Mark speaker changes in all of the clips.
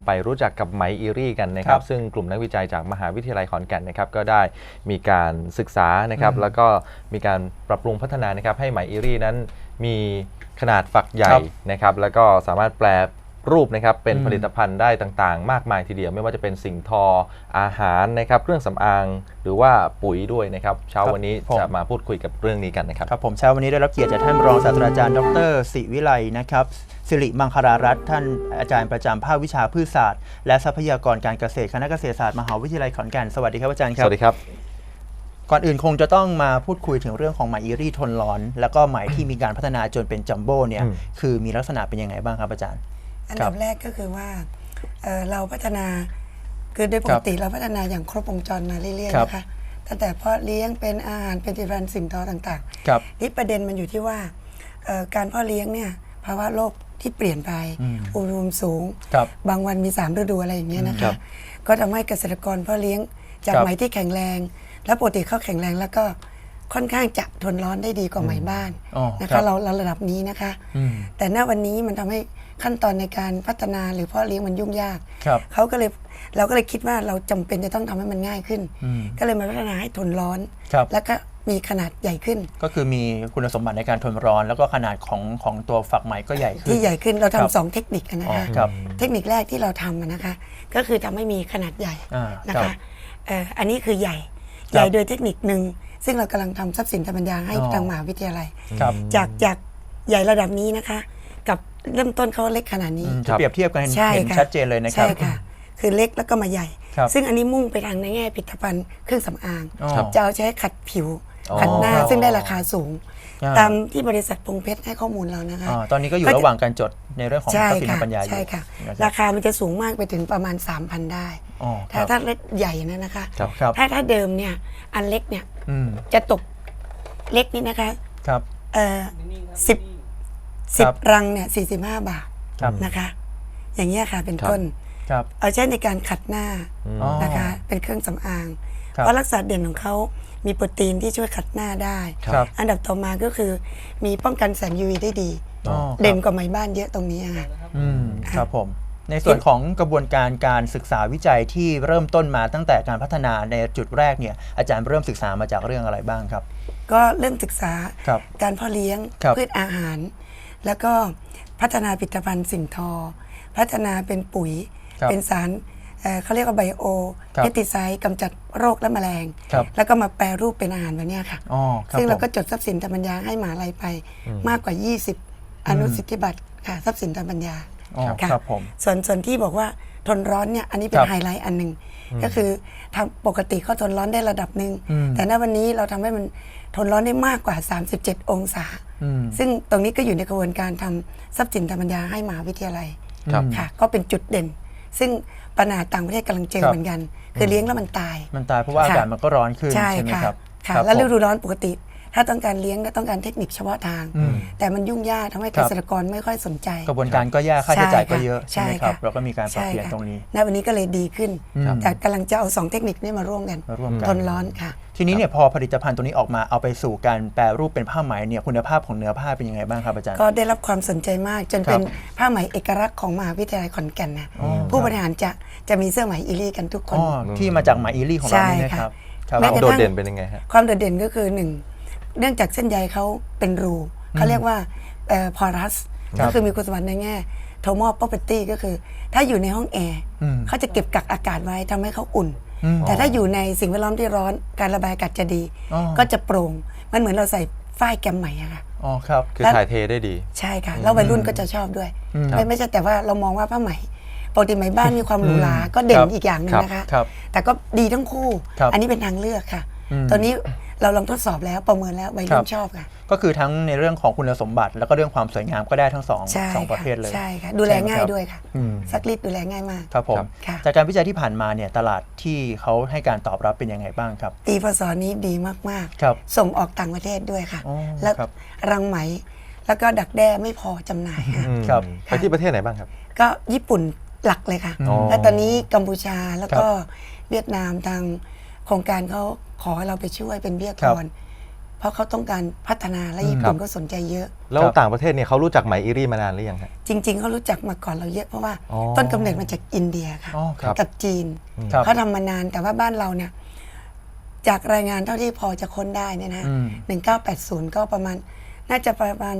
Speaker 1: ไปรู้จักกับไหมอีรี่กันนะครับซึ่งกลุ่มนักวิจัยจากมหาวิทยาลัยขอนแก่นนะครับก็ได้มีการศึกษานะครับแล้วก็มีการปรับปรุงพัฒนานะครับให้ไหมอีรี่นั้นมีขนาดฝักใหญ่นะครับแล้วก็สามารถแปลรูปนะครับเป็นผลิตภัณฑ์ได้ต่างๆมากมายทีเดียวไม่ว่าจะเป็นสิ่งทออาหารนะครับเครื่องสำอางหรือว่าปุ๋ยด้วยนะครับเช้าวันนี้จะมาพูดคุยกับเรื่องนี้กันนะครับ
Speaker 2: ครับผมเช้าวันนี้ได้รับเกียรติจากท่านรองศาสตราจารย์ดร.ศิวิไลนะครับสิริมังคลารัตน์ท่านอาจารย์ประจำภาควิชาพืชศาสตร์และทรัพยากรการเกษตรคณะเกษตรศาสตร์มหาวิทยาลัยขอนแก่นสวัสดีครับอาจารย์ครับ
Speaker 1: สวัสดีครับ
Speaker 2: ก่อนอื่นคงจะต้องมาพูดคุยถึงเรื่องของไหมอีรี่ทนร้อนแล้วก็ไหมที่มีการพัฒนาจนเป็นจัมโบ้เนี่ยคือมีลักษณะเป็นยังไงบ้างครับอาจารย์
Speaker 3: อันดับแรกก็คือว่าเราพัฒนาคือโดยปกติเราพัฒนาอย่างครบวงจรมาเรื่อยๆนะคะตั้งแต่เพาะเลี้ยงเป็นอาหารเป็นผลิตภัณฑ์สิ่งทอต่างๆนี่ประเด็นมันอยู่ที่ว่าการเพาะเลี้ยงเนี่ยภาวะโลกที่เปลี่ยนไปอุณหภูมิสูงบางวันมี3ฤดูอะไรอย่างเงี้ยนะคะก็ทำให้เกษตรกรเพาะเลี้ยงจากไหมที่แข็งแรงและปกติเขาแข็งแรงแล้วก็ค่อนข้างจะทนร้อนได้ดีกว่าไหมบ้านนะคะเราระดับนี้นะคะแต่ณวันนี้มันทำให้ขั้นตอนในการพัฒนาหรือเพาะเลี้ยงมันยุ่งยากเราก็เลยคิดว่าเราจำเป็นจะต้องทำให้มันง่ายขึ้นก็เลยมาพัฒนาให้ทนร้อนแล้วก็มีขนาดใหญ่ขึ้น
Speaker 2: ก็คือมีคุณสมบัติในการทนร้อนแล้วก็ขนาดของตัวฝักไหมก็ใหญ่ขึ้น
Speaker 3: ที่ใหญ่ขึ้นเราทำ2เทคนิคนะคะเทคนิคแรกที่เราทำนะคะก็คือทำให้มีขนาดใหญ่นะคะอันนี้คือใหญ่โดยเทคนิคหนึ่งซึ่งเรากำลังทำทรัพย์สินทางปัญญาให้ทางมหาวิทยาลัยจากใหญ่ระดับนี้นะคะกับเริ่มต้นเขาเล็กขนาดนี้
Speaker 2: จะเปรียบเทียบกันเห็นชัดเจนเลยนะครับ
Speaker 3: ใช่ค่ะคือเล็กแล้วก็มาใหญ่ซึ่งอันนี้มุ่งไปทางในแง่ผลิตภัณฑ์เครื่องสำอางจะเอาใช้ขัดผิวขัดหน้าซึ่งได้ราคาสูงตามที่บริษัทพงเพชรให้ข้อมูลเรานะคะ
Speaker 2: ตอนนี้ก็อยู่ระหว่างการจดในเรื่องของทรัพย์สินทางปัญญาอยู่
Speaker 3: ใช่ค่ะราคามันจะสูงมากไปถึงประมาณ 3,000 ได้ถ้าเล็กใหญ่นะคะถ้าเดิมเนี่ยอันเล็กเนี่ยจะตกเล็กนี่นะคะ10 รังเนี่ย45 บาทนะคะอย่างเงี้ยค่ะเป็นต้นเอาใช้ในการขัดหน้านะคะเป็นเครื่องสำอางเพราะลักษณะเด่นของเขามีโปรตีนที่ช่วยขัดหน้าได้อันดับต่อมาก็คือมีป้องกันแสง UV ได้ดีเด่นกว่าไหมบ้านเยอะตรงนี้ค่ะ
Speaker 2: ครับผมในส่วนของกระบวนการศึกษาวิจัยที่เริ่มต้นมาตั้งแต่การพัฒนาในจุดแรกเนี่ยอาจารย์เริ่มศึกษามาจากเรื่องอะไรบ้างครับ
Speaker 3: ก็เริ่มศึกษาการเพาะเลี้ยงพืชอาหารแล้วก็พัฒนาผลิตภัณฑ์สิ่งทอพัฒนาเป็นปุ๋ยเป็นสารเขาเรียกว่าไบโอเพสติไซด์กำจัดโรคและแมลงแล้วก็มาแปรรูปเป็นอาหารแบบนี้ค่ะซึ่งเราก็จดทรัพย์สินทางปัญญาให้มหาลัยไปมากกว่า20อนุสิทธิบัตรค่ะทรัพย์สินทางปัญญาค่ะส่วนที่บอกว่าทนร้อนเนี่ยอันนี้เป็นไฮไลท์อันหนึ่งก็คือทำปกติเขาทนร้อนได้ระดับหนึ่งแต่ณวันนี้เราทำให้มันทนร้อนได้มากกว่า37 องศาซึ่งตรงนี้ก็อยู่ในกระบวนการทำทรัพย์สินทางปัญญาให้มหาวิทยาลัยค่ะก็เป็นจุดเด่นซึ่งปัญหาต่างประเทศกำลังเจอเหมือนกันคือเลี้ยงแล้วมันตาย
Speaker 2: เพราะว่าอากาศมันก็ร้อนขึ้นใช่ไหมครับ
Speaker 3: แล้วฤดูร้อนปกติถ้าต้องการเลี้ยงก็ต้องการเทคนิคเฉพาะทางแต่มันยุ่งยากทำให้เกษตรกรไม่ค่อยสนใจ
Speaker 2: กระบวนการก็ยากค่าใช้จ่ายก็เยอะใช่ไหมครับเราก็มีการปรับเปลี่ยนตรงนี้
Speaker 3: ณวันนี้ก็เลยดีขึ้นแต่กำลังจะเอา2เทคนิคนี้มาร่วมกันทนร้อนค่ะ
Speaker 2: ทีนี้เนี่ยพอผลิตภัณฑ์ตัวนี้ออกมาเอาไปสู่การแปรรูปเป็นผ้าไหมเนี่ยคุณภาพของเนื้อผ้าเป็นยังไงบ้างครับอาจารย์
Speaker 3: ก็ได้รับความสนใจมากจนเป็นผ้าไหมเอกลักษณ์ของมหาวิทยาลัยขอนแก่นนะผู้บริหารจะมีเสื้อไหมอีรี่กันทุกคน
Speaker 2: ที่มาจากไหมอีรี่ของเรานี่นะครับ
Speaker 1: ความโดดเด่นเป็นยังไงฮะ
Speaker 3: ความโดดเด่นก็คือ1เนื่องจากเส้นใยเขาเป็นรูเขาเรียกว่าพอรัสก็คือมีคุณสมบัติในแง่โทมอล property ก็คือถ้าอยู่ในห้องแอร์เขาจะเก็บกักอากาศไว้ทำให้เขาอุ่นแต่ถ้าอยู่ในสิ่งแวดล้อมที่ร้อนการระบายอากาศจะดีก็จะโปร่งมันเหมือนเราใส่ฝ้ายแกมไหมอะค่ะ
Speaker 2: อ๋อครับ
Speaker 1: คือถ่ายเทได้ดี
Speaker 3: ใช่ค่ะแล้ววัยรุ่นก็จะชอบด้วยไม่ใช่แต่ว่าเรามองว่าผ้าไหมปกติไหมบ้านมีความหรูหราก็เด่นอีกอย่างนึงนะคะแต่ก็ดีทั้งคู่อันนี้เป็นทางเลือกค่ะตอนนี้เราลองทดสอบแล้วประเมินแล้ววัยรุ่นชอบค่ะ
Speaker 2: ก็คือทั้งในเรื่องของคุณสมบัติแล้วก็เรื่องความสวยงามก็ได้ทั้งสองประเภทเลย
Speaker 3: ใช่ค่ะดูแลง่ายด้วยค่ะซักรีดดูแลง่ายมาก
Speaker 2: ครับผมจากการวิจัยที่ผ่านมาเนี่ยตลาดที่เขาให้การตอบรับเป็นยังไงบ้างครับ
Speaker 3: ปีพศนี้ดีมากๆส่งออกต่างประเทศด้วยค่ะแล้วรังไหมแล้วก็ดักแด้ไม่พอจำหน่าย
Speaker 1: ค่ะไปที่ประเทศไหนบ้างครับ
Speaker 3: ก็ญี่ปุ่นหลักเลยค่ะและตอนนี้กัมพูชาแล้วก็เวียดนามทางโครงการเขาขอเราไปช่วยเป็นวิทยากรเพราะเขาต้องการพัฒนาและญี่ปุ่นก็สนใจเยอะ
Speaker 1: แล้วต่างประเทศเนี่ยเขารู้จักไหมอิรี่มานานหรือยังครับ
Speaker 3: จริง ๆเขารู้จักมาก่อนเราเยอะเพราะว่า
Speaker 1: อ๋อ
Speaker 3: ต้นกำเนิดมาจากอินเดียค่ะ
Speaker 2: อ๋อครับ
Speaker 3: กับจีน
Speaker 2: ครับ
Speaker 3: เขาทำมานานแต่ว่าบ้านเราเนี่ยจากรายงานเท่าที่พอจะค้นได้เนี่ยนะ 1980 ก็ประมาณน่าจะประมาณ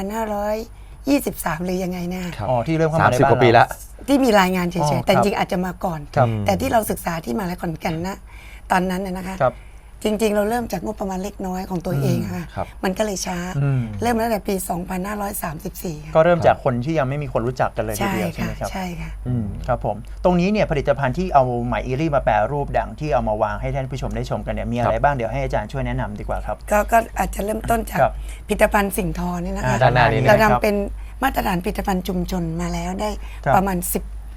Speaker 3: 2,523 หรือยังไงนะ
Speaker 1: ครับ
Speaker 2: อ๋อที่เริ่มเข้ามาใน
Speaker 1: 30
Speaker 2: บ้าน
Speaker 1: กว่าปี
Speaker 2: เรา
Speaker 1: ละ
Speaker 3: ที่มีรายงานเฉ
Speaker 2: อ๋
Speaker 3: ย
Speaker 2: อ
Speaker 3: ๆแต่
Speaker 2: ครับ
Speaker 3: จริงอาจจะมาก่อน
Speaker 2: ครับ
Speaker 3: แต่ที่เราศึกษาที่มหาลัยขอนแก่นนะตอนนั้นน่ะนะคะ
Speaker 2: ครับ
Speaker 3: จริง ๆ เราเริ่มจากงบประมาณเล็กน้อยของตัวเองอะค่ะ
Speaker 1: ครับ
Speaker 3: มันก็เลยช้า เริ่มมาตั้งแต่ปี 2534ค่ะ
Speaker 2: ก็เริ่มจากคนที่ยังไม่มีคนรู้จักกันเลยที
Speaker 3: ใช่
Speaker 2: เดียวใช่
Speaker 3: ค่ะ
Speaker 2: ไหมครับ
Speaker 3: ใช่ค่ะ
Speaker 2: ครับผมตรงนี้เนี่ยผลิตภัณฑ์ที่เอาไหมอิรี่มาแปรรูปดังที่เอามาวางให้ท่านผู้ชมได้ชมกันเนี่ยมีอะไรบ้างเดี๋ยวให้อาจารย์ช่วยแนะนำดีกว่าครับ
Speaker 3: ก็อาจจะเริ่มต้นจาก
Speaker 2: ครับ
Speaker 3: ผลิตภัณฑ์สิ่งทอนี่นะคะ
Speaker 1: ด้านหน้านี้นะ
Speaker 3: เรา
Speaker 2: ครับ
Speaker 3: ทำเป็นมาตรฐานผลิตภัณฑ์ชุมชนมาแล้วได้
Speaker 2: ครับ
Speaker 3: ประมาณ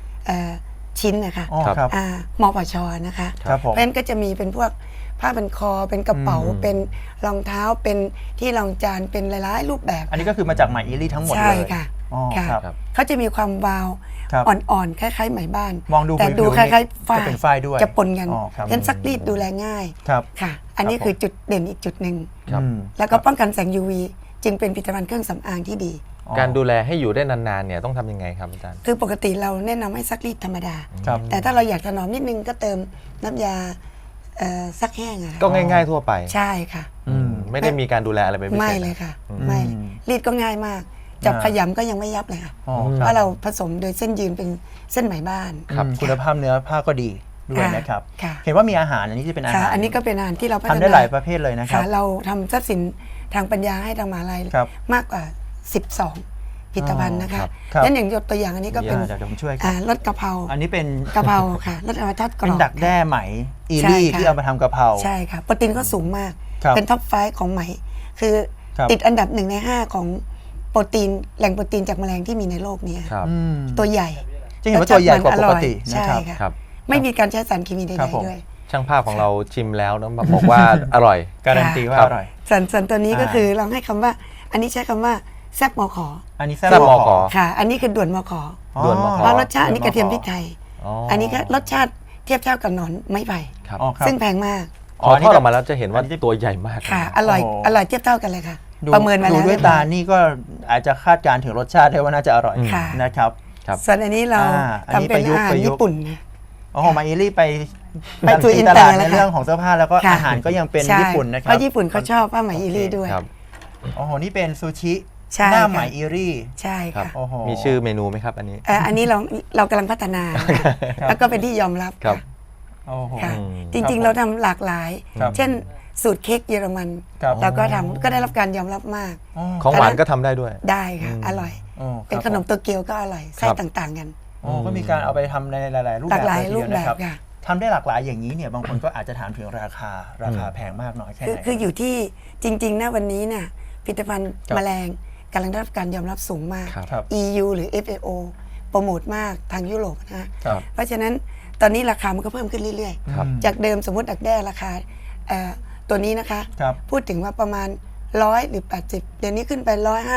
Speaker 3: 10ชิ้นนะคะ
Speaker 2: อ๋อครับ
Speaker 3: มปชนะคะ
Speaker 2: ครับผม
Speaker 3: เพราะฉะนั้นก็จะมีเป็นพวกผ้าพันคอเป็นกระเป๋าเป็นรองเท้าเป็นที่รองจานเป็นหลายๆรูปแบบ
Speaker 2: อันนี้ก็คือมาจากไหมอิรี่ทั้งหมดเลย
Speaker 3: ใช่ค่ะ
Speaker 2: อ๋อ
Speaker 3: ค่ะ
Speaker 2: ครับ
Speaker 3: เขาจะมีความวาว
Speaker 2: ครับ
Speaker 3: อ่อนๆคล้ายๆไหมบ้าน
Speaker 2: มองดู
Speaker 3: แต่
Speaker 2: ผิวๆ
Speaker 3: ดูคล้ายๆฝ้า
Speaker 2: จะเป็นฝ้ายด้วย
Speaker 3: จะปนกัน
Speaker 2: อ๋อครับ
Speaker 3: ฉะนั้นซักรีดดูแลง่าย
Speaker 2: ครับ
Speaker 3: ค่ะ อันนี้
Speaker 2: ครับผม
Speaker 3: คือจุดเด่นอีกจุดหนึ่ง
Speaker 1: ครับ
Speaker 3: แล้วก็ป้องกันแสง UV จึงเป็นผลิตภัณฑ์เครื่องสำอางที่ดี
Speaker 1: การดูแลให้อยู่ได้นานๆเนี่ยต้องทำยังไงครับอาจารย์
Speaker 3: คือปกติเราแนะนำให้ซักรีดธรรมดา
Speaker 2: ครับ
Speaker 3: แต่ถ้าเราอยากถนอมนิดนึงก็เติมน้ำยาซักแห้งอะค่ะ
Speaker 1: ก็ง่ายๆทั่วไป
Speaker 3: ใช่ค่ะ
Speaker 1: ไม่ได้มีการดูแลอะไรเป็นพิเศษ
Speaker 3: ไม่เลยค่ะ ไม่เลยรีดก็ง่ายมาก จับขยำก็ยังไม่ยับเลยค่ะ
Speaker 2: อ๋อ
Speaker 3: เพ
Speaker 2: ครับ
Speaker 3: ราะเราผสมโดยเส้นยืนเป็นเส้นไหมบ้าน
Speaker 1: ครับ
Speaker 2: คุณภาพเนื้อผ้าก็ดีด้วย
Speaker 3: ค่ะ
Speaker 2: นะครับ
Speaker 3: ค่ะ
Speaker 2: เห็นว่ามีอาหารอันนี้จะเป็นอา
Speaker 3: ค่ะ
Speaker 2: หาร
Speaker 3: อันนี้ก็เป็นอาหารที่เราพัฒ
Speaker 2: ทำ
Speaker 3: นา
Speaker 2: ได้หลายประเภทเลยนะครับ
Speaker 3: ค่ะเราทำทรัพย์สินทางปัญญาให้ทางมหาลัย
Speaker 2: ครับ
Speaker 3: มากกว่า 12 ผลิตภัณฑ์นะคะ
Speaker 2: ครับ
Speaker 3: นั่นอย่างยกตัวอย่างอันนี้ก็เป็น
Speaker 2: เดี๋ยวผมช่วยครับ
Speaker 3: รสกะเพรา
Speaker 2: อันนี้เป็น
Speaker 3: กะเพราค่ะรสกะเพราทอดกร
Speaker 2: เป็น
Speaker 3: อบ
Speaker 2: ดักแด้ไหมอิ
Speaker 3: ใช่
Speaker 2: รี่
Speaker 3: ค่ะ
Speaker 2: ที่เอามาทำกะเพรา
Speaker 3: ใช่ค่ะโปรตีนก็สูงมาก
Speaker 2: ครับ
Speaker 3: เป็นท็อปไฟของไหม คือ
Speaker 2: ครับ
Speaker 3: ติดอันดับ1 ใน 5 ของโปรตีนแหล่งโปรตีนจากแมลงที่มีในโลกนี้
Speaker 1: ครับ
Speaker 3: ตัวใหญ่
Speaker 2: จะเห็นว่าตัวใหญ่กว่าปกติ
Speaker 3: ใช่
Speaker 2: นะครับ
Speaker 3: ค่ะ
Speaker 1: ครับ
Speaker 3: ไม่มีการใช้สารเคมีใด
Speaker 2: ครับผม
Speaker 3: ๆด้วย
Speaker 1: ช่างภาพของเราชิมแล้วนะบอกว่าอร่อย
Speaker 2: การันตีว่า
Speaker 1: ครับ
Speaker 2: อร่อย
Speaker 3: ส่วนตัวนี้ก็คือเราให้คำว่า อันนี้ใช้คำว่าแซบมอขอ
Speaker 2: อันนี้
Speaker 1: แซ่
Speaker 2: แซ่
Speaker 1: บบ ม
Speaker 2: ม
Speaker 1: อ
Speaker 2: อ
Speaker 1: ข
Speaker 2: ข
Speaker 1: อ
Speaker 2: อ
Speaker 3: ค่ะ อันนี้คือด่วนมอขอ
Speaker 1: ด่วนมอข
Speaker 3: เพราะรสชาติอันนี้กระเทียมพริกไทย
Speaker 1: อ๋อ
Speaker 3: อันนี้ก็รสชาติเทียบเท่ากับหนอนไม้ไผ่
Speaker 1: ครับ
Speaker 2: อ๋อครับ
Speaker 3: ซึ่งแพงมาก
Speaker 1: พอทอดออกมาแล้วจะเห็นว่าตัวใหญ่มาก
Speaker 3: ค่ะ อร่อย
Speaker 2: โอ้
Speaker 3: อร่อยเทียบเท่ากันเลยค่ะ
Speaker 2: ดู
Speaker 3: ประเมินมา
Speaker 2: ดู
Speaker 3: แล้ว
Speaker 2: ด้วยตานี่ก็อาจจะคาดการณ์ถึงรสชาติได้ว่าน่าจะอร่อย
Speaker 3: ค่ะ
Speaker 2: นะครับ
Speaker 1: ครับ
Speaker 3: ส่วนอันนี้เรา
Speaker 2: อันนี้
Speaker 3: ทำเป็นอาหาร
Speaker 2: ประยุกต์
Speaker 3: ญี่ปุ่นนะ
Speaker 2: โอ้โหมาอิรี่ไป
Speaker 3: ไปสู่อิน
Speaker 2: ต
Speaker 3: เตอร์
Speaker 2: ลาด
Speaker 3: แล้
Speaker 2: ใน
Speaker 3: วค่ะ
Speaker 2: เรื่องของเสื้อผ้าแล้วก็
Speaker 3: ค่ะ
Speaker 2: อาหารก็ยังเป็น
Speaker 3: ใช่
Speaker 2: ญี่ปุ่นนะค
Speaker 3: เพ
Speaker 2: รับ
Speaker 3: ราะญี่ปุ่นเขาชอบผ้าไหมอิรี่ด้วย
Speaker 1: ครับ
Speaker 2: โอ้โหนี่เป็นซูชิ
Speaker 3: ใช่
Speaker 2: หน้า
Speaker 3: ค่ะ
Speaker 2: ไหมอิรี่
Speaker 3: ใช่
Speaker 1: ครับ
Speaker 3: ค่ะ
Speaker 2: โอ้โห
Speaker 1: มีชื่อเมนูไหมครับอันนี้
Speaker 3: อันนี้เรากำลังพัฒนานะคะแล้วก็เป็นที่ยอมรับ
Speaker 1: ครับ
Speaker 2: โอ้โห
Speaker 3: ค่ะ
Speaker 1: อืม
Speaker 3: จริงๆ เราทำหลากหลาย
Speaker 2: ครับ
Speaker 3: เช่นสูตรเค้กเยอรมัน
Speaker 2: ครับ
Speaker 3: เราก็ทำก็ได้รับการยอมรับมาก
Speaker 1: ของหวานก็ทำได้ด้วย
Speaker 3: ได้ค่ะ อร่อย
Speaker 2: โอ้
Speaker 3: เป็นขนมโตเกียวก็อร่อย ไส้ต่างๆกัน
Speaker 2: โอ้ก็มีการเอาไปทำในหลาย ๆ รูป
Speaker 3: หลา
Speaker 2: แบบ
Speaker 3: กหลาย
Speaker 2: เที
Speaker 3: รู
Speaker 2: เดี
Speaker 3: ป
Speaker 2: ว
Speaker 3: แบ
Speaker 2: นะ
Speaker 3: บ
Speaker 2: ครับ
Speaker 3: ค่ะ
Speaker 2: ทำได้หลากหลายอย่างนี้เนี่ยบางคนก็อาจจะถามถึงราคาแพงมากน้อยแค่ไหน
Speaker 3: คืออยู่ที่จริงๆนะวันนี้เนี่ยผลิตภัณฑ์
Speaker 2: ครับ
Speaker 3: แมลงกำลังได้รับการยอมรับสูงมาก
Speaker 1: ครับ
Speaker 2: ครับ
Speaker 3: EU หรือ FAO โปรโมทมากทางยุโรปนะฮะ
Speaker 2: ครับ
Speaker 3: เพราะฉะนั้นตอนนี้ราคามันก็เพิ่มขึ้นเรื่อย
Speaker 1: ครับ
Speaker 3: ๆ จากเดิมสมมติดักแด้ราคาตัวนี้นะคะ
Speaker 2: ครับ
Speaker 3: พูดถึงว่าประมาณ100หรือ80เดี๋ยวนี้ขึ้นไป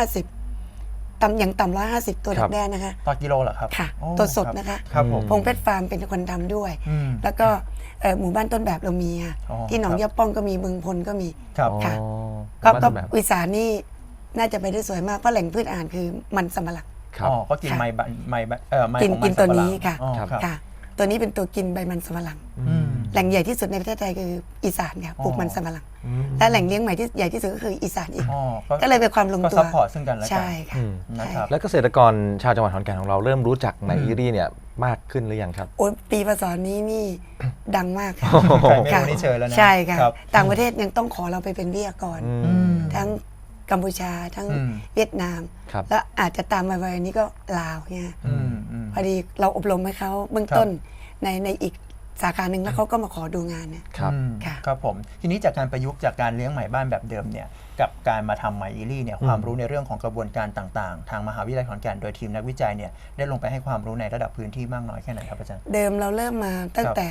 Speaker 3: 150อย่างต่ำ150 ตัว
Speaker 1: ครั
Speaker 3: ดั
Speaker 1: บ
Speaker 3: กแด้นะคะ
Speaker 2: ต่อกิโลเหรอครับ
Speaker 3: ค่ะ
Speaker 2: โอ้
Speaker 3: ตัวสด
Speaker 2: รับ
Speaker 3: นะคะ
Speaker 2: ครับผม
Speaker 3: พงเพชรฟาร์มเป็นคนทำด้วย
Speaker 2: อืม
Speaker 3: แล้วก็หมู่บ้านต้นแบบเรามีค่ะ
Speaker 2: อ๋อ
Speaker 3: ที่หนอง
Speaker 2: ครับ
Speaker 3: ยาป้องก็มีบึงพลก็มี
Speaker 2: ครับ
Speaker 1: อ๋อ
Speaker 3: ค่ะ ก็
Speaker 1: บ้านแบบ
Speaker 3: วิสานนี่น่าจะไปได้สวยมากเพราะแหล่งพืชอาหารคือมันสำปะหลัง
Speaker 1: ครับ
Speaker 2: อ๋อก็กิน
Speaker 3: ค่ะ
Speaker 2: ไม้ไม้
Speaker 3: กิน
Speaker 2: ของมั
Speaker 3: กินตัวนี้
Speaker 2: สำปะหลัง
Speaker 3: ค่ะ
Speaker 2: อ๋อ
Speaker 1: ครับ
Speaker 2: ครับ
Speaker 3: ค่ะ ตัวนี้เป็นตัวกินใบมันสำปะหลัง
Speaker 2: อืม
Speaker 3: แหล่งใหญ่ที่สุดในประเทศไทยคืออีสานค่ะปลูกมันสำปะหลัง และแหล่งเลี้ยงใหม่ที่ใหญ่ที่สุดก็คืออีสานอีก
Speaker 2: อ๋อ
Speaker 3: ก็เลยเป็นความลง
Speaker 2: ก็
Speaker 3: ตัว
Speaker 2: ซัพพอร์ตซึ่งกันและกัน
Speaker 3: ใช่ค่ะ
Speaker 1: อืม
Speaker 2: นะครับ
Speaker 1: แล้วเกษตรกรชาวจังหวัดขอนแก่นของเราเริ่มรู้จักไหมอิรี่เนี่ยมากขึ้นหรือยังครับ
Speaker 3: โอ้ยปีพศนี้นี่ดังมากค่ะ
Speaker 2: ใครไม่รู้นี่เชิญแล้วนะ
Speaker 3: ใช่ค่ะ
Speaker 2: ครับ
Speaker 3: ต่างประเทศยังต้องขอเราไปเป็นวิทยากร
Speaker 2: อืม
Speaker 3: ทั้งกัมพูชาทั้ง
Speaker 2: อืม
Speaker 3: เวียดนาม
Speaker 1: ครับ
Speaker 3: แล้วอาจจะตามมาไว้นี้ก็ลาวเนี่ย
Speaker 2: อืม
Speaker 3: พอดีเราอบรมให้เขาเบื้องต้นในอีกสาขาหนึ่งแล้วเขาก็มาขอดูงานเนี่ย
Speaker 1: ครับ
Speaker 2: อืม
Speaker 3: ค่ะ
Speaker 2: ครับผมทีนี้จากการประยุกต์จากการเลี้ยงไหมบ้านแบบเดิมเนี่ยกับการมาทำไหมอิรี่เนี่ยความรู้ในเรื่องของกระบวนการต่างๆ ทางมหาวิทยาลัยขอนแก่นโดยทีมนักวิจัยเนี่ยได้ลงไปให้ความรู้ในระดับพื้นที่มากน้อยแค่ไหนครับอาจารย์
Speaker 3: เดิมเราเริ่มมาตั้งแต่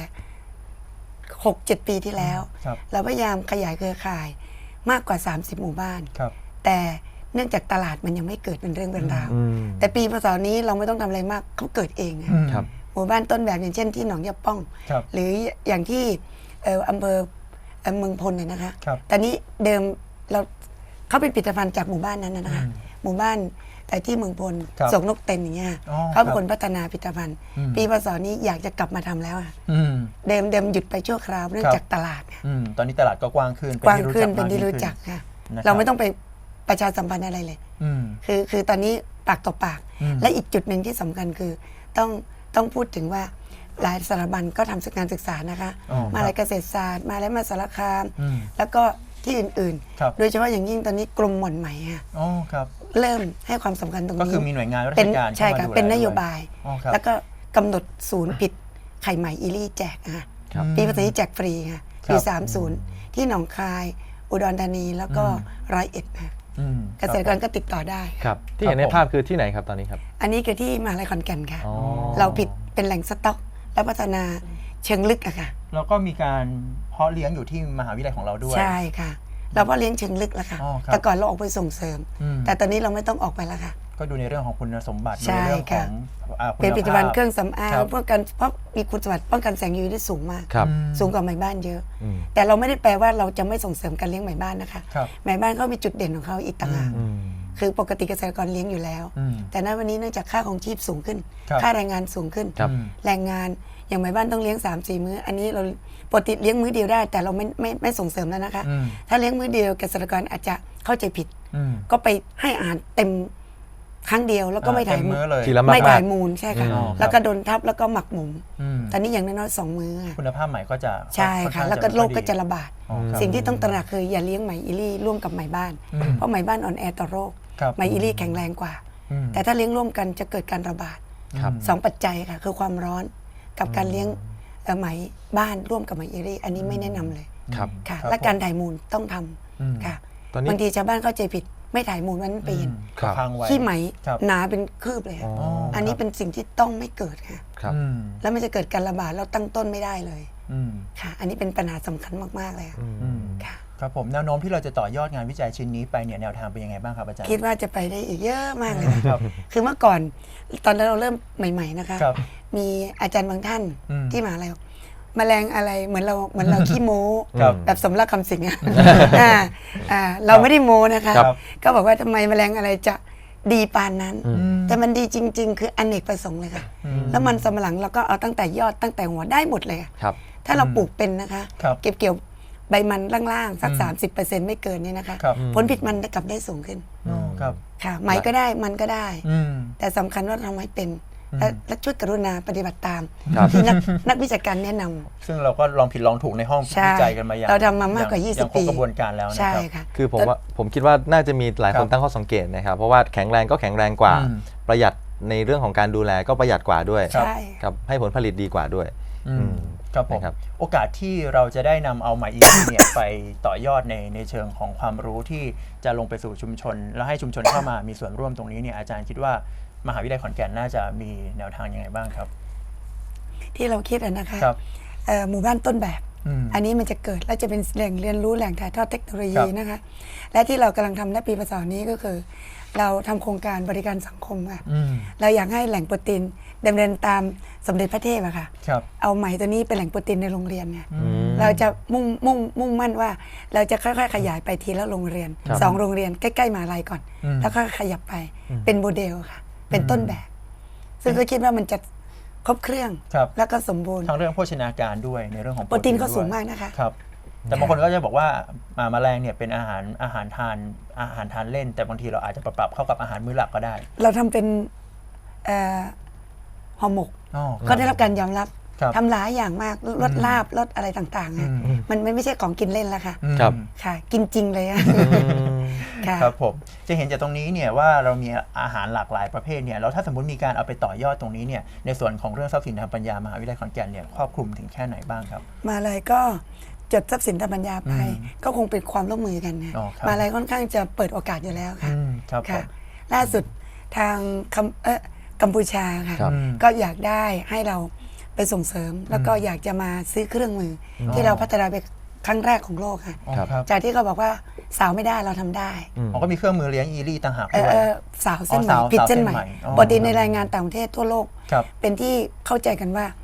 Speaker 3: 6-7 ปีที่แล้ว
Speaker 2: ครับ
Speaker 3: เราพยายามขยายเครือข่ายมากกว่า 30 หมู่บ้าน
Speaker 2: ครับ
Speaker 3: แต่เนื่องจากตลาดมันยังไม่เกิดเป็นเรื่องเป็นราว
Speaker 1: อืม
Speaker 3: แต่ปีพศนี้เราไม่ต้องทำอะไรมากเขาเกิดเองอะ
Speaker 1: ครับ
Speaker 3: หมู่บ้านต้นแบบอย่างเช่นที่หนองยาป้อง
Speaker 2: ครับ
Speaker 3: หรืออย่างที่อำเภอเมืองพลเนี่ยนะคะ
Speaker 2: ครับ
Speaker 3: ตอนนี้เดิมเราเขาเป็นผลิตภัณฑ์จากหมู่บ้านนั้นนะคะหมู่บ้านที่เมืองพล
Speaker 2: ครับ
Speaker 3: สงนกเต็นอย่างเงี้ย
Speaker 2: อ๋อ
Speaker 3: เขาเป็น
Speaker 2: ครับ
Speaker 3: คนพัฒนาผลิตภัณฑ์ ปีพศนี้อยากจะกลับมาทำแล้วอะ
Speaker 2: อืม
Speaker 3: เดิมหยุดไปชั่วคราวเนื่องจากตลาดเนี่ย
Speaker 2: ตอนนี้ตลาดก็กว้างขึ้น
Speaker 3: กว้างขึ้น
Speaker 2: ม
Speaker 3: เป็นที่รู้
Speaker 2: ขึ้
Speaker 3: จักค่ะ
Speaker 2: นะครับ
Speaker 3: เราไม่ต้องไปประชาสัมพันธ์อะไรเลย
Speaker 2: อืม
Speaker 3: คือตอนนี้ปากต่อปาก และอีกจุดหนึ่งที่สำคัญคือต้องพูดถึงว่าหลายสถาบันก็ทำการศึกษานะคะ
Speaker 2: อ๋อ
Speaker 3: มาลัยเกษตรศาสตร์มาแล้วมาสารคาม
Speaker 2: อืม
Speaker 3: แล้วก็ที่อื่น
Speaker 2: ครับ
Speaker 3: ๆ โดยเฉพาะอย่างยิ่งตอนนี้กรมหม่อนไหมค่ะ
Speaker 2: อ๋อครับ
Speaker 3: เริ่มให้ความสำคัญตรง
Speaker 2: ก็
Speaker 3: นี้
Speaker 2: คือมีหน่วยงานรา
Speaker 3: เป็
Speaker 2: ช
Speaker 3: น
Speaker 2: การ
Speaker 3: ใช่ค่ะ
Speaker 2: ข้ามาดูแล
Speaker 3: เป็นนโย
Speaker 2: ด้ว
Speaker 3: บาย
Speaker 2: อ๋อครับ
Speaker 3: แล้วก็กำหนดศูนย์ปิดไข่ไหมอีลี่แจกค่ะ
Speaker 1: ครับ
Speaker 3: ปีภาษีแจกฟรีค่ะ
Speaker 2: ครับ
Speaker 3: ปี30ที่หนองคาย อุดรธานีแล้วก็ร้อยเอ็ดค่ะ
Speaker 2: อืม
Speaker 3: เกษตรกรก็ติดต่อได้
Speaker 1: ครับที่เห็นในภาพคือที่ไหนครับตอนนี้ครับ
Speaker 3: อันนี้คือที่มหาลัยขอนแก่นค่ะ
Speaker 1: อ๋อ
Speaker 3: เราผิดเป็นแหล่งสต็อก และพัฒนาเชิงลึกอะค่ะ
Speaker 2: แล้วก็มีการเพาะเลี้ยงอยู่ที่มหาวิทยาลัยของเราด้วย
Speaker 3: ใช่ค่ะ เราก็เลี้ยงเชิงลึกแล้วค่ะ
Speaker 2: อ๋อครับ
Speaker 3: แต่ก่อนเราออกไปส่งเสริม
Speaker 2: อืม
Speaker 3: แต่ตอนนี้เราไม่ต้องออกไปแล้วค่ะ
Speaker 2: ก็ดูในเรื่องของคุณสมบัติดู
Speaker 3: ใช่
Speaker 2: ในเรื่องของ
Speaker 3: เป็นผลิตภัณฑ์เครื่องสำอาง
Speaker 2: ครับ
Speaker 3: เพราะมีคุณสมบัติป้องกันแสง UV ที่สูงมาก
Speaker 1: ครับ
Speaker 3: สูงกว่าไหมบ้านเยอะ
Speaker 1: อืม
Speaker 3: แต่เราไม่ได้แปลว่าเราจะไม่ส่งเสริมการเลี้ยงไหมบ้านนะคะ
Speaker 2: ครับ
Speaker 3: ไหมบ้านเขามีจุดเด่นของเขาอีกต่างหาก
Speaker 1: อืม
Speaker 3: คือปกติเกษตรกรเลี้ยงอยู่แล้ว
Speaker 2: อืม
Speaker 3: แต่ณวันนี้เนื่องจากค่าของชีพสูงขึ้น
Speaker 2: ครับ
Speaker 3: ค่าแรงงานสูงขึ้น
Speaker 1: ครับ
Speaker 3: แรงงานอย่างไหมบ้านต้องเลี้ยง 3-4 มื้อ อันนี้เราปกติเลี้ยงมื้อเดียวได้ แต่เราไม่ส่งเสริมแล้วนะคะ
Speaker 2: อืม
Speaker 3: ถ้าเลี้ยงมื้อเดียวเกษตรกรอาจจะเข้าใจผิด
Speaker 2: อืม
Speaker 3: ก็ไปให้อาหารเต็มครั้งเดียวแล้วก็ไม่ถ่าย
Speaker 2: เต็มมื้อเลย
Speaker 1: ทีละมากๆ
Speaker 3: ไม่ถ่ายมูลใช่ค่ะ
Speaker 2: อืม
Speaker 3: แล้วก็โดนทับแล้วก็หมักหมม
Speaker 2: อืม
Speaker 3: ตอนนี้อย่างน้อยๆ2 มื้อค่ะ
Speaker 2: คุณภาพใหม่ก็จะ
Speaker 3: ใช่
Speaker 2: อน
Speaker 3: ค่ะ
Speaker 2: ข้าง
Speaker 3: แล้วก็
Speaker 2: ไม่
Speaker 3: โร
Speaker 2: ค่อ
Speaker 3: ค
Speaker 2: ย
Speaker 3: ก็
Speaker 2: ดี
Speaker 3: จะระบาด
Speaker 2: อ๋อครับ
Speaker 3: สิ่งที่ต้องตระหนักคืออย่าเลี้ยงไหมอีลี่ร่วมกับไหมบ้าน เพราะไหมบ้านอ่อนแอต่อโรค
Speaker 2: ครับ
Speaker 3: ไหมอีลี่แข็งแรงกว่า
Speaker 2: อืม
Speaker 3: แต่ถ้าเลี้ยงร่วมกันจะเกิดการระบาด
Speaker 1: ครับ
Speaker 3: 2 ปัจจัยค่ะ คือความร้อนกับการเลี้ยงไหมบ้านร่วมกับไหมอีลี่อันนี้ไม่แนะนำเลย
Speaker 1: ครับ
Speaker 3: ค่ะ
Speaker 2: ครับ
Speaker 3: และการถ่ายมูลต้องท
Speaker 2: อืม
Speaker 3: ำค่ะ
Speaker 1: ตอนนี้
Speaker 3: บางทีชาวบ้านเข้าใจผิดไม่ถ่ายมูลวันนั้นไปเห็น
Speaker 1: ครับ
Speaker 2: ค้างไว้
Speaker 3: ขี้ไหม
Speaker 2: ครับ
Speaker 3: หนาเป็นคืบเลยค่ะ
Speaker 1: อ๋อ
Speaker 3: อันนี้เป็นสิ่งที่ต้องไม่เกิดค่ะ
Speaker 1: ครับ
Speaker 2: อืม
Speaker 3: แล้วมันจะเกิดการระบาดแล้วตั้งต้นไม่ได้เลย
Speaker 2: อืม
Speaker 3: ค่ะ อันนี้เป็นปัญหาสำคัญมากๆเลยค่ะ
Speaker 2: อืม
Speaker 3: ค่ะ
Speaker 2: ครับผมแนวโน้มที่เราจะต่อยอดงานวิจัยชิ้นนี้ไปเนี่ยแนวทางเป็นยังไงบ้างครับอาจารย์
Speaker 3: คิดว่าจะไปได้อีกเยอะมากเลย
Speaker 2: ครับ
Speaker 3: คือเมื่อก่อนตอนเราเริ่มใหม่ ๆนะคะ
Speaker 2: ครับ
Speaker 3: มีอาจารย์บางท่าน
Speaker 2: อืม
Speaker 3: ที่มหาลัยบอกแมลงอะไรเหมือนเราขี้โม้
Speaker 2: ครับ
Speaker 3: แบบสมรักคำสิงห์อะเราไม่ได้โม้นะคะ
Speaker 2: ครับ
Speaker 3: ก็บอกว่าทำไมแมลงอะไรจะดีปานนั้น
Speaker 1: อืม
Speaker 3: แต่มันดีจริง ๆ คืออเนกประสงค์เลยค่ะ แล้วมันสำปะหลังเราก็เอาตั้งแต่ยอดตั้งแต่หัวได้หมดเลยอะ
Speaker 1: ครับ
Speaker 3: ถ้าเราปลูกเป็นนะคะ
Speaker 2: ครับ
Speaker 3: เก็บเกี่ยวใบมันล่างๆสัก 30%ไม่เกินนี่นะคะ
Speaker 2: ครับ
Speaker 3: ผลผลิตมันกลับได้สูงขึ้น
Speaker 2: อ๋อครับ
Speaker 3: ค่ะไหมก็ได้มันก็ได้
Speaker 2: อืม
Speaker 3: แต่สำคัญว่าทำให้เป็นและช่วยกรุณาปฏิบัติตาม
Speaker 1: ครับ
Speaker 3: ที่นักวิชาการแนะนำ
Speaker 2: ซึ่งเราก็ลองผิดลองถูกในห้อง
Speaker 3: ใช่
Speaker 2: วิจัยกันมาอย่าง
Speaker 3: เราทำมามากกว่า
Speaker 2: อย่ง
Speaker 3: 20
Speaker 2: ครบ
Speaker 3: ปี
Speaker 2: กระบวนการแล้วนะ
Speaker 3: ใช่
Speaker 2: ครับ
Speaker 3: ค่ะ
Speaker 1: คือผมคิดว่าน่าจะมีหลายคน
Speaker 2: ครับ
Speaker 1: ตั้งข้อสังเกตนะครับ เพราะว่าแข็งแรงก็แข็งแรงกว่า
Speaker 2: อืม
Speaker 1: ประหยัดในเรื่องของการดูแลก็ประหยัดกว่าด้วย
Speaker 2: ครับ
Speaker 3: ใช่
Speaker 1: ครับให้ผลผลิตดีกว่าด้วย
Speaker 2: อืม
Speaker 1: อืม
Speaker 2: ครับผม
Speaker 1: นะครับ
Speaker 2: โอกาสที่เราจะได้นำเอาไหมอีกเนี่ย ไปต่อยอดในเชิงของความรู้ที่จะลงไปสู่ชุมชน แล้วให้ชุมชนเข้ามามีส่วนร่วมตรงนี้เนี่ยอาจารย์คิดว่ามหาวิทยาลัยขอนแก่นน่าจะมีแนวทางยังไงบ้างครับ
Speaker 3: ที่เราคิดอะนะคะ
Speaker 2: ครับ
Speaker 3: หมู่บ้านต้นแบบ
Speaker 2: อืม
Speaker 3: อันนี้มันจะเกิดและจะเป็นแหล่งเรียนรู้แหล่งถ่ายทอดเทคโนโล
Speaker 2: ค
Speaker 3: ยี
Speaker 2: รับ
Speaker 3: นะคะ และที่เรากำลังทำในปีพศนี้ก็คือ เราทำโครงการบริการสังคมค่ะ
Speaker 2: อืม
Speaker 3: เราอยากให้แหล่งโปรตีนดำเนินตามสมเด็จพระเทพอะค่ะ
Speaker 2: ครับ
Speaker 3: เอาไหมตัวนี้เป็นแหล่งโปรตีนในโรงเรียนเนี่ย
Speaker 1: อืม
Speaker 3: เราจะมุ่งมั่นว่าเราจะค่อยๆขยายไปทีละโรงเรียน
Speaker 1: ครับ
Speaker 3: 2 โรงเรียนใกล้ๆมหาลัยก่อน
Speaker 2: อืม
Speaker 3: แล้วก็ขยับไปเป็นโมเดลค่ะ เป็นต้นแบบ ซึ่งก็คิดว่ามันจะครบเครื่อง
Speaker 2: ครับ
Speaker 3: แล้วก็สมบูรณ์
Speaker 2: ทั้งเรื่องโภชนาการด้วยในเรื่องของ
Speaker 3: โปรตีนก็
Speaker 2: ด้วย
Speaker 3: สูงมากนะคะ
Speaker 2: ครับ แต่บางคนก็จะบอกว่าแมลงเนี่ยเป็นอาหารทานเล่น แต่บางทีเราอาจจะปรับเข้ากับอาหารมื้อหลักก็ได้
Speaker 3: เราทำเป็นห่อหมก
Speaker 2: อ๋อ
Speaker 3: ก็ได้รับการยอมรับ
Speaker 2: ครับ
Speaker 3: ทำหลายอย่างมากลดลาบลดอะไรต่างๆอะมันไม่ใช่ของกินเล่นแล้วค่ะ
Speaker 1: ครับ
Speaker 3: ค่ะ กินจริงเลยอะค่ะ
Speaker 2: ครับผมจะเห็นจากตรงนี้เนี่ยว่าเรามีอาหารหลากหลายประเภทเนี่ยแล้วถ้าสมมติมีการเอาไปต่อยอดตรงนี้เนี่ยในส่วนของเรื่องทรัพย์สินทางปัญญามหาวิทยาลัยขอนแก่นเนี่ยครอบคลุมถึงแค่ไหนบ้างครับ
Speaker 3: มาเลยก็จดทรัพย์สินทางปัญญาไป ก็คงเป็นความร่วมมือกันนะ
Speaker 2: อ๋อครับ
Speaker 3: มาเลยค่อนข้างจะเปิดโอกาสอยู่แล้วค่ะ
Speaker 2: ครับผ
Speaker 3: ค่ะ
Speaker 2: ม
Speaker 3: ล่าสุดทางกัมพูชาค่ะ
Speaker 1: ครับ
Speaker 3: ก็อยากได้ให้เราไปส่งเสริม แล้วก็อยากจะมาซื้อเครื่องมืออที่เราพัฒนาเป็นครั้งแรกของโลกค่ะ
Speaker 2: อ๋อครับ
Speaker 3: จากที่เขาบอกว่าสาวไม่ได้เราทำได้
Speaker 2: อ๋อก็มีเครื่องมือเลี้ยงอีลี่ต่างหากด้วย
Speaker 3: สาวเส้น
Speaker 2: อ๋อ
Speaker 3: ใหม่
Speaker 2: สาว
Speaker 3: ผิดเส้น
Speaker 2: เส้น
Speaker 3: ใหม่
Speaker 2: ใหม่อ๋อ
Speaker 3: ปกติในรายงานต่างประเทศทั่วโลก
Speaker 2: ครับ
Speaker 3: เป็นที่เข้าใจกันว่า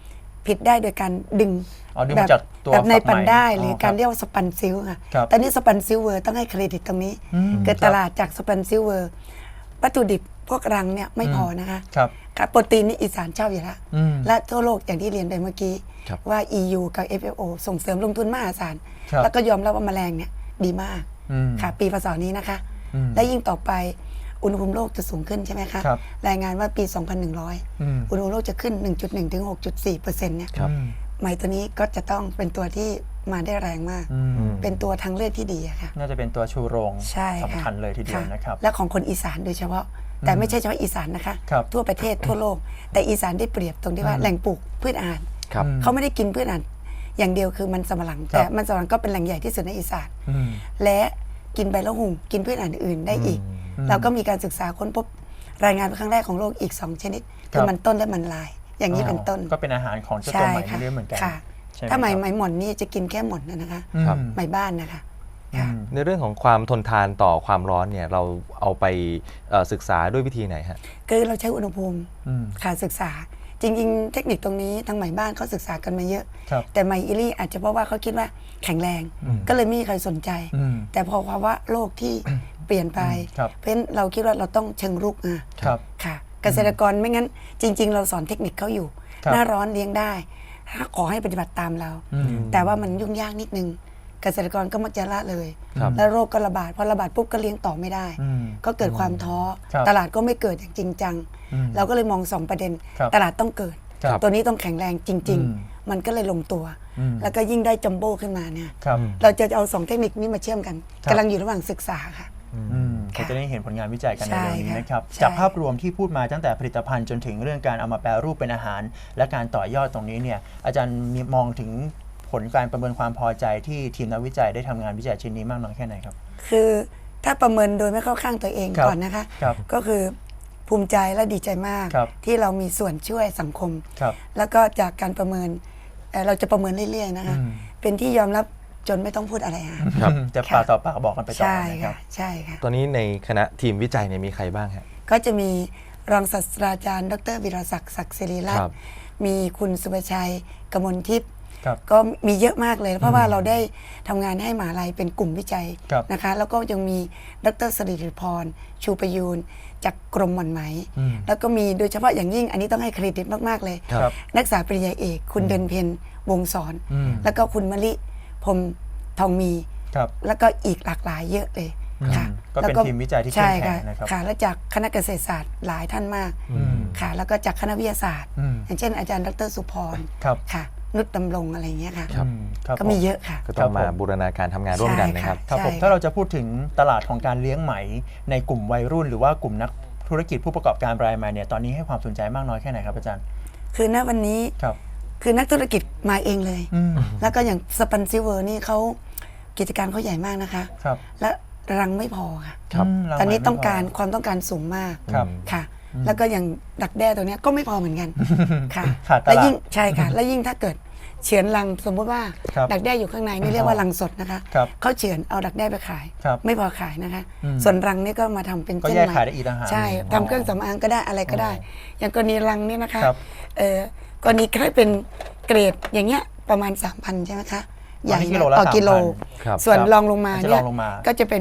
Speaker 3: ผิดได้โดยการดึง
Speaker 2: ดึงมาจากตัว
Speaker 3: แบบใน
Speaker 2: ฝักไหม
Speaker 3: ปันได้หรือ
Speaker 2: ครับ
Speaker 3: การเรียกว่าสปันซิลค่ะ
Speaker 2: ครับ
Speaker 3: ตอนนี้สปันซิลเวอร์ต้องให้เครดิตตรงนี้ เกิดตลาดจากสปันซิลเวอร์วัตถุดิบพวกรังเนี่ยไม่พอนะคะ
Speaker 2: ครับ
Speaker 3: โปรตีนนี่อีสานชอบอยู่แล้ว
Speaker 2: อืม
Speaker 3: และทั่วโลกอย่างที่เรียนไปเมื่อกี้
Speaker 1: ครับ
Speaker 3: ว่า EU กับ FAO ส่งเสริมลงทุนมหาศาล
Speaker 2: ครับ
Speaker 3: แล้วก็ยอมรับว่าแมลงเนี่ยดีมาก
Speaker 2: อืม
Speaker 3: ค่ะปีพศนี้นะคะ
Speaker 2: อืม
Speaker 3: และยิ่งต่อไปอุณหภูมิโลกจะสูงขึ้นใช่ไหมคะ
Speaker 2: ครับ
Speaker 3: รายงานว่าปี
Speaker 2: อืม
Speaker 3: 2100 อุณหภูมิโลกจะขึ้น 1.1 ถึง 6.4%เนี่ย
Speaker 1: ครับ
Speaker 3: ไหมตัวนี้ก็จะต้องเป็นตัวที่มาได้แรงมาก
Speaker 2: อืม
Speaker 3: เป็นตัวทางเลือกที่ดีอะค่ะ
Speaker 2: น่าจะเป็นตัวชูโรง
Speaker 3: ใช่ค่ะ
Speaker 2: สำคัญเลยทีเดียวนะครับ
Speaker 3: และของคนอีสานโดยเฉพาะ แต่ไม่ใช่เฉพาะอีสานนะคะ
Speaker 2: ครับ
Speaker 3: ทั่วประเทศทั่วโลก แต่อีสานได้เปรียบตรงที่ว่าแหล่งปลูกพืชอาหาร
Speaker 1: ครับ
Speaker 3: เขาไม่ได้กินพืชอาหารอย่างเดียวคือมันสำปะหลัง แต่มันสำปะหลังก็เป็นแหล่งใหญ่ที่สุดในอีสาน
Speaker 2: อืม
Speaker 3: และกินใบละหุ่งกินพืชอาหารอื่นได้อีก เราก็มีการศึกษาค้นพบรายงานเป็นครั้งแรกของโลกอีก 2 ชนิด คือมันต้นและมันลาย อย่างนี้เป็นต้น
Speaker 2: ก็เป็นอาหารของเจ้าตัวไหมเรื่อยเหมือนกัน
Speaker 3: ค่ะ
Speaker 2: ใช่ไหม
Speaker 3: ถ้าไหม
Speaker 2: ครับ
Speaker 3: ไหมหม่อนนี่จะกินแค่หม่อนนะคะ
Speaker 2: อืม
Speaker 1: ครับ
Speaker 3: ไหมบ้านนะคะค่ะ
Speaker 1: ในเรื่องของความทนทานต่อความร้อนเนี่ยเราเอาไปศึกษาด้วยวิธีไหนฮะ
Speaker 3: คือเราใช้อุณหภูมิ
Speaker 2: อืม
Speaker 3: ค่ะศึกษา จริงๆ เทคนิคตรงนี้ทางไหมบ้านเขาศึกษากันมาเยอะ
Speaker 2: ครับ
Speaker 3: แต่ไหมอิลี่อาจจะเพราะว่าเขาคิดว่าแข็งแรง ก็เลยไม่มีใครสนใจ
Speaker 2: อืม
Speaker 3: แต่พอภาวะโลกที่เปลี่ยนไป
Speaker 2: ครับ
Speaker 3: เพราะฉะนั้นเราคิดว่าเราต้องเชิงรุกอ่ะ
Speaker 2: ครับ
Speaker 3: ค่ะ เกษตรกรไม่งั้น จริง ๆ เราสอนเทคนิคเขาอยู่
Speaker 2: ครับ
Speaker 3: หน้าร้อนเลี้ยงได้ถ้าขอให้ปฏิบัติตามเรา
Speaker 2: อืม
Speaker 3: แต่ว่ามันยุ่งยากนิดนึง เกษตรกรก็มักจะละเลย
Speaker 1: ครับ
Speaker 3: แล้วโรคก็ระบาดพอระบาดปุ๊บก็เลี้ยงต่อไม่ได้
Speaker 2: อืม
Speaker 3: ก็เกิดความท้อ
Speaker 2: ครับ
Speaker 3: ตลาดก็ไม่เกิดอย่างจริงจัง
Speaker 2: อืม
Speaker 3: เราก็เลยมองสองประเด็น
Speaker 2: ครับ
Speaker 3: ตลาดต้องเกิด
Speaker 2: ครับ
Speaker 3: ตัวนี้ต้องแข็งแรงจริง
Speaker 2: อืม
Speaker 3: ๆ มันก็เลยลงตัว
Speaker 2: อืม
Speaker 3: แล้วก็ยิ่งได้จัมโบ้ขึ้นมาเนี่ย
Speaker 2: ครับ
Speaker 3: เราจะเอาสองเทคนิคนี้มาเชื่อมกัน
Speaker 2: ครับ
Speaker 3: กำลังอยู่ระหว่างศึกษาค่ะ
Speaker 2: อืม
Speaker 3: ค่ะ
Speaker 2: ก็จะได้เห็นผลงานวิจัยกันใน
Speaker 3: ใช่
Speaker 2: เร็วนี้
Speaker 3: ค่ะ
Speaker 2: นะครับ
Speaker 3: ใช่
Speaker 2: จากภาพรวมที่พูดมาตั้งแต่ผลิตภัณฑ์จนถึงเรื่องการเอามาแปรรูปเป็นอาหาร และการต่อยอดตรงนี้เนี่ยอาจารย์มีมองถึงผลการประเมินความพอใจที่ทีมนักวิจัยได้ทำงานวิจัยชิ้นนี้มากน้อยแค่ไหนครับ
Speaker 3: คือถ้าประเมินโดยไม่เข้าข้างตัวเอง
Speaker 2: ครับ
Speaker 3: ก่อนนะคะ
Speaker 2: ครับ
Speaker 3: ก็คือภูมิใจและดีใจมาก
Speaker 2: ครับ
Speaker 3: ที่เรามีส่วนช่วยสังคม
Speaker 2: ครับ
Speaker 3: แล้วก็จากการประเมินเราจะประเมินเรื่อยๆนะคะ
Speaker 2: อืม
Speaker 3: เป็นที่ยอมรับจนไม่ต้องพูดอะไรค่ะ
Speaker 1: ครับ
Speaker 2: จะปากต่อปากบอกกันไปต่อ
Speaker 3: ใช่
Speaker 2: นะครั
Speaker 3: ค่ะ
Speaker 2: บ
Speaker 3: ใช่ค่ะ
Speaker 1: ตอนนี้ในคณะทีมวิจัยเนี่ยมีใครบ้างฮะ
Speaker 3: ก็จะมีรองศาสตราจารย์ ดรวิรศักดิ์ศักดิ์ศิริรัต
Speaker 1: ครั
Speaker 3: น์
Speaker 1: บ
Speaker 3: มีคุณสุภชัยกมลทิพย์
Speaker 2: ครับ
Speaker 3: ก็มีเยอะมากเลย เพราะว่าเราได้ทำงานให้มหาลัยเป็นกลุ่มวิจัย
Speaker 2: ครับ
Speaker 3: นะคะ แล้วก็ยังมีดรสิริพร ชูประยูนจากกรมหม่อนไหม
Speaker 2: อืม
Speaker 3: แล้วก็มีโดยเฉพาะอย่างยิ่งอันนี้ต้องให้เครดิตมากๆเลย
Speaker 2: ครับ
Speaker 3: นักศึกษาปริญญาเอกคุณเดินเพนวงศร
Speaker 2: อืม
Speaker 3: แล้วก็คุณมะลิพรหมทองมี
Speaker 2: ครับ
Speaker 3: แล้วก็อีกหลากหลายเยอะเลยค่ะ
Speaker 2: ก็เป็น
Speaker 3: แล้ว
Speaker 2: ทีมวิจัยที่เข้ม
Speaker 3: ใช่
Speaker 2: แข็
Speaker 3: ค่ะ
Speaker 2: งนะครับ
Speaker 3: ค่ะ และจากคณะเกษตรศาสตร์หลายท่านมาก
Speaker 2: อืม
Speaker 3: ค่ะ แล้วก็จากคณะวิทยาศาสตร์
Speaker 2: อืม
Speaker 3: อย่างเช่นอาจารย์ดรสุพร
Speaker 2: ครับ
Speaker 3: ค่ะ นุชดำรงอะไรอย่างเงี้ยค่ะ
Speaker 1: ครับ
Speaker 2: อืมครับ
Speaker 3: ก็มีเยอะค่ะ
Speaker 1: ก็ต้องมา
Speaker 2: ครับผม
Speaker 1: บูรณาการทำงานร่วมกันนะครับ
Speaker 2: ครับผม
Speaker 3: ใช่
Speaker 2: ถ้าเราจะพูดถึงตลาดของการเลี้ยงไหมในกลุ่มวัยรุ่น หรือว่ากลุ่มนักธุรกิจผู้ประกอบการรายใหม่เนี่ยตอนนี้ให้ความสนใจมากน้อยแค่ไหนครับอาจารย์
Speaker 3: คือณวันนี้
Speaker 2: ครับ
Speaker 3: คือนักธุรกิจมาเองเลย
Speaker 2: อืม
Speaker 3: แล้วก็อย่างสปันซิเวอร์นี่เขากิจการเขาใหญ่มากนะคะ
Speaker 2: ครับ
Speaker 3: และรังไม่พอค่ะ
Speaker 1: ครับ
Speaker 3: ตอนนี้ต้องการความต้องการสูงมาก
Speaker 2: ครับ
Speaker 3: ค่ะ แล้วก็อย่างดักแด้ตัวเนี้ยก็ไม่พอเหมือนกันค่ะ
Speaker 2: ขาดตลาด
Speaker 3: และยิ่งใช่ค่ะ และยิ่งถ้าเกิดเฉือนรังสมมุติว่า
Speaker 2: ครับ
Speaker 3: ดักแด้อยู่ข้างในนี่เรียกว่ารังสดนะคะ
Speaker 2: ครับ
Speaker 3: เขาเฉือนเอาดักแด้ไปขาย
Speaker 2: ครับ
Speaker 3: ไม่พอขายนะคะ
Speaker 2: อืม
Speaker 3: ส่วนรังนี่ก็มาทำเป็น
Speaker 2: ก็
Speaker 3: เส้น
Speaker 2: แยก
Speaker 3: ไหม
Speaker 2: ขายได้อีกต่างหาก
Speaker 3: ใช่ทำเครื่องสำอางก็ได้อะไรก็ได้ อย่างกรณีรังนี่นะคะ
Speaker 2: ครับ
Speaker 3: กรณีแค่เป็นเกรดอย่างเงี้ยประมาณ 3,000 ใช่ไหมคะใหญ่
Speaker 2: อันนี้กิ
Speaker 3: นะ
Speaker 2: โลละ
Speaker 3: ต่อกิโล
Speaker 2: 3,000
Speaker 1: ครับ
Speaker 3: ส่วน
Speaker 2: ครับ
Speaker 3: รองลงมา
Speaker 2: อันที่
Speaker 3: เนี่ย
Speaker 2: รองลงมา
Speaker 3: ก็จะเป็น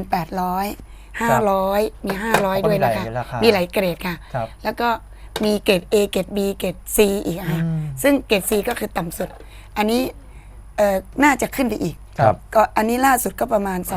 Speaker 3: 800 500 มี 500 ด้วยนะคะ
Speaker 2: ก็มีหลายราคามี
Speaker 3: มีหลายเกรดค่ะ
Speaker 2: ครับ
Speaker 3: แล้วก็มีเกรด A เกรด B เกรด C อีกค่ะ
Speaker 2: อืม
Speaker 3: ซึ่งเกรด C ก็คือต่ำสุด อันนี้น่าจะขึ้นไปอีก
Speaker 1: ครับ
Speaker 3: ก็อันนี้ล่าสุดก็ประมาณ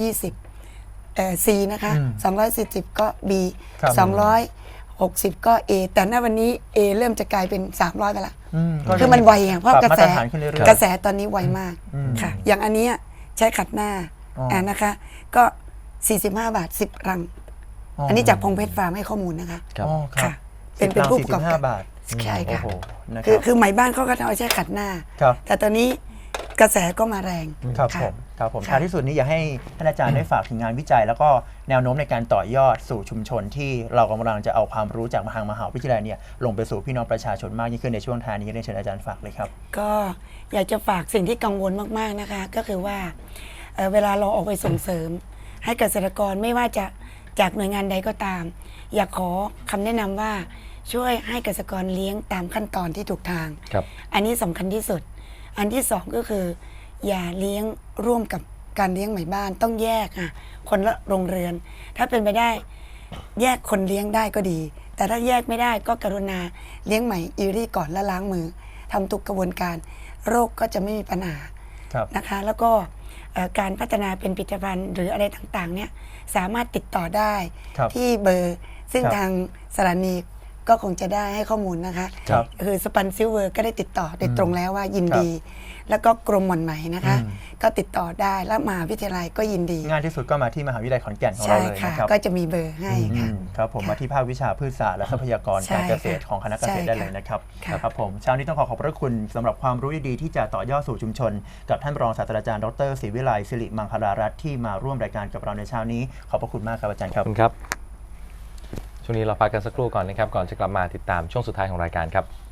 Speaker 3: 220C นะคะ
Speaker 2: อืม
Speaker 3: 240 ก็ B
Speaker 2: ครับ
Speaker 3: 260 ก็ A แต่ณวันนี้ A เริ่มจะกลายเป็น 300ไปละ
Speaker 2: ก็
Speaker 3: คือมันไวอ่ะเพราะ
Speaker 2: ป
Speaker 3: ก
Speaker 2: บ
Speaker 3: ระ
Speaker 2: มา
Speaker 3: แส
Speaker 2: ตรฐานขึ้นเรื่อยๆ
Speaker 3: กระแสตอนนี้ไวมาก
Speaker 2: อืม
Speaker 3: ค่ะ อย่างอันเนี้ยใช้ขัดหน้า
Speaker 2: อ๋ออ่
Speaker 3: นะคะ ก็ 45 บาท 10 รัง อันนี้จากพงเพชรฟาร์มให้ข้อมูลนะคะ
Speaker 1: ครับ
Speaker 2: อ๋อครับ
Speaker 3: ค่ะ เป็นผู้ประกอบการ
Speaker 2: 45 บาท
Speaker 3: ใช่ค่ะ
Speaker 2: โอ้โหนะค
Speaker 3: คือ
Speaker 2: รับ
Speaker 3: คือไหมบ้านเขาก็เอาใช้ขัดหน้า
Speaker 2: ครับ
Speaker 3: แต่ตอนนี้กระแสก็มาแรง
Speaker 2: ครับ
Speaker 3: ะ
Speaker 2: ผมครับผม
Speaker 3: ค่ะ
Speaker 2: ท้ายที่สุดนี้อยากให้ท่านอาจารย์ได้ฝากถึงงานวิจัย แล้วก็แนวโน้มในการต่อยอดสู่ชุมชนที่เรากำลังจะเอาความรู้จากทางมหาวิทยาลัยเนี่ยลงไปสู่พี่น้องประชาชนมากยิ่งขึ้นในช่วงท้ายนี้เรียนเชิญอาจารย์ฝากเลยครับ
Speaker 3: ก็อยากจะฝากสิ่งที่กังวลมากๆนะคะ ก็คือว่าเวลาเราออกไปส่งเสริม ให้เกษตรกรไม่ว่าจะจากหน่วยงานใดก็ตาม อยากขอคำแนะนำว่าช่วยให้เกษตรกรเลี้ยงตามขั้นตอนที่ถูกทาง
Speaker 1: ครับ
Speaker 3: อันนี้สำคัญที่สุด อันที่สองก็คือ อย่าเลี้ยงร่วมกับการเลี้ยงไหมบ้านต้องแยกคนละโรงเรือน ถ้าเป็นไปได้แยกคนเลี้ยงได้ก็ดี แต่ถ้าแยกไม่ได้ก็กรุณาเลี้ยงไหมอีรี่ก่อนและล้างมือทำทุกกระบวนการโรคก็จะไม่มีปัญหา
Speaker 2: ครับ
Speaker 3: นะคะแล้วก็การพัฒนาเป็นผลิตภัณฑ์หรืออะไรต่างๆเนี่ยสามารถติดต่อได้
Speaker 2: ครับ
Speaker 3: ที่เบอร์ ซึ่ง
Speaker 2: ครับ
Speaker 3: ทางสถานีก็คงจะได้ให้ข้อมูลนะคะ
Speaker 2: ครับ
Speaker 3: คือสปันซิลเวอร์ก็ได้ติดต่อโดยตรงแล้วว่ายินดี แล้วก็กรมหม่อนไหมนะคะ
Speaker 2: อืม
Speaker 3: ก็ติดต่อได้แล้วมหาวิทยาลัยก็ยินดี
Speaker 2: ง่ายที่สุดก็มาที่มหาวิทยาลัยขอนแก่นของ
Speaker 3: ใช่
Speaker 2: เราเลย
Speaker 3: ค่ะ
Speaker 2: นะครับ
Speaker 3: ก็จะมีเบอร์ให้ค่ะ
Speaker 2: ครับผมมาที่ภาควิชาพืชศาสตร์และทรัพยากร
Speaker 3: ใช่
Speaker 2: การเกษตร
Speaker 3: ค่ะ
Speaker 2: ของคณะเกษตร
Speaker 3: ใช่
Speaker 2: ได้เลยนะครับ
Speaker 3: ค่ะ
Speaker 2: ครับผมเช้านี้ต้องขอบพระคุณสำหรับความรู้ดีๆที่จะต่อยอดสู่ชุมชน กับท่านรองศาสตราจารย์ดรศรีวิไลศิริมังคลารัตน์ที่มาร่วมรายการกับเราในเช้านี้ขอบพระคุณมากครับอาจารย์ค
Speaker 1: ข
Speaker 2: รั
Speaker 1: อบบ คุณครับช่วงนี้เราพักกันสักครู่ก่อนนะครับก่อนจะกลับมาติดตามช่วงสุดท้ายของรายการครับ